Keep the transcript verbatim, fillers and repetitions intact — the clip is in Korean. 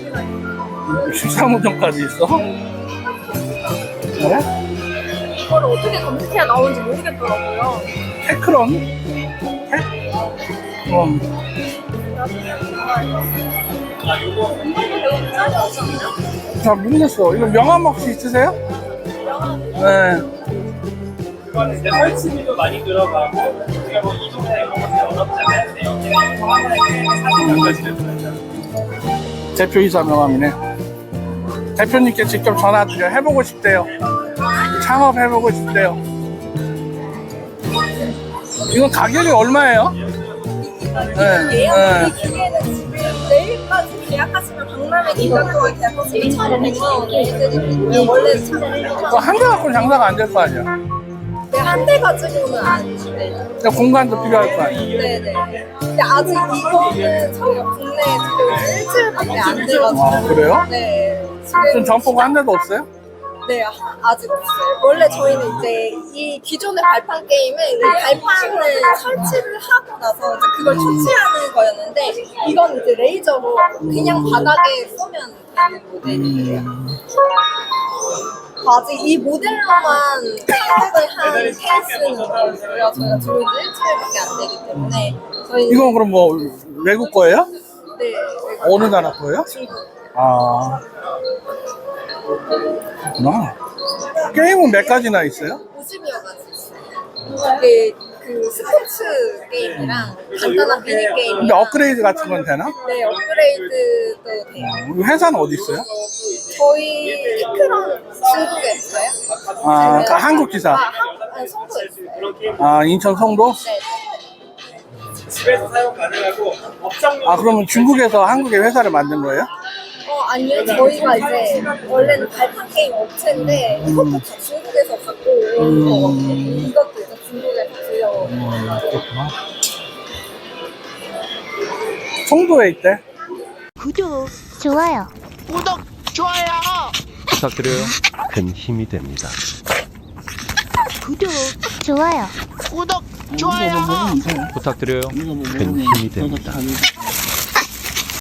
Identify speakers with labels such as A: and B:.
A: 십삼 호점까지 있어? 그래?
B: 이걸 어떻게 검색해야 나오는지 모르겠더라고요.
A: 테크론? 테? 그럼
B: 아, 이거 배우면 짜리 없잖아요?
A: 잘 모르겠어. 이거 명함 혹시 있으세요? 네.
C: 그거는 이제 설치비도 많이 들어가고 우리가 뭐 이동이나 이런 것들이 어렵잖아요. 근데 여기는 하나에 사진까지 들어가요.
A: 대표이사 명함이네. 대표님께 직접 전화드려. 해보고 싶대요. 창업해보고 싶대요. 이건 가격이 얼마예요? 네.
B: 예약 기계는 지금 내일까지 계약하시면 박람회 기간 동안 계약하시면 천오백만 원에 해드리거든요. 원래 참
A: 그거 한 대 갖고는 장사가 안 될 거 아니야?
B: 네, 한 대 가지고는 안 돼.
A: 그러니까 공간도 필요할 거 아니야?
B: 네네. 근데 아직 이거는 저희가 국내에 들여온 지 일주일밖에 안 돼가지고.
A: 아, 그래요?
B: 네.
A: 지금
B: 지금
A: 점포가 한 대도 없어요?
B: 네, 아- 아직 없어요. 원래 저희는 이제 이 기존의 발판 게임은 이 발판을 설치를 하고 나서 이제 그걸 조치하는 거였는데 이건 이제 레이저로 그냥 바닥에 쏘면 되는 모델이에요. 아직 이 모델로만 생각을 한 케이스는 거고요. 저희가 들어온 지 일주일밖에 안 되기 때문에 저희
A: 이건 그럼 뭐 외국 거예요?
B: 네,
A: 어느 나라 거예요?
B: 중국
A: 아, 그렇구나. 게임은 몇 가지나 있어요?
B: 오십여 가지 있어요. 이게 그 스포츠 게임이랑 간단한 미니 게임.
A: 근데 업그레이드 같은 건 되나?
B: 네, 업그레이드도 돼요.
A: 이 회사는 어디 있어요?
B: 저희 이크런 중국에 있어요.
A: 아,
B: 아니면-
A: 그 한국 기사.
B: 아, 한, 아니, 송도에 있어요.
A: 아, 인천 성도?
B: 네.
C: 집에서 사용 가능하고 업장용.
A: 아, 그러면 중국에서 한국에 회사를 만든 거예요?
B: 어, 아니요. 저희가 이제 원래는 발판 게임 업체인데 이것도 다 중국에서 갖고 온 거거든요. 이것도 이제 중국에서 들려온
A: 그렇구나. 성도에 있대.
D: 구독, 좋아요.
E: 부탁드려요. 큰 힘이 됩니다.
D: 구독, 좋아요.
A: 좋아요.
E: 부탁드려요. 큰 힘이 됩니다.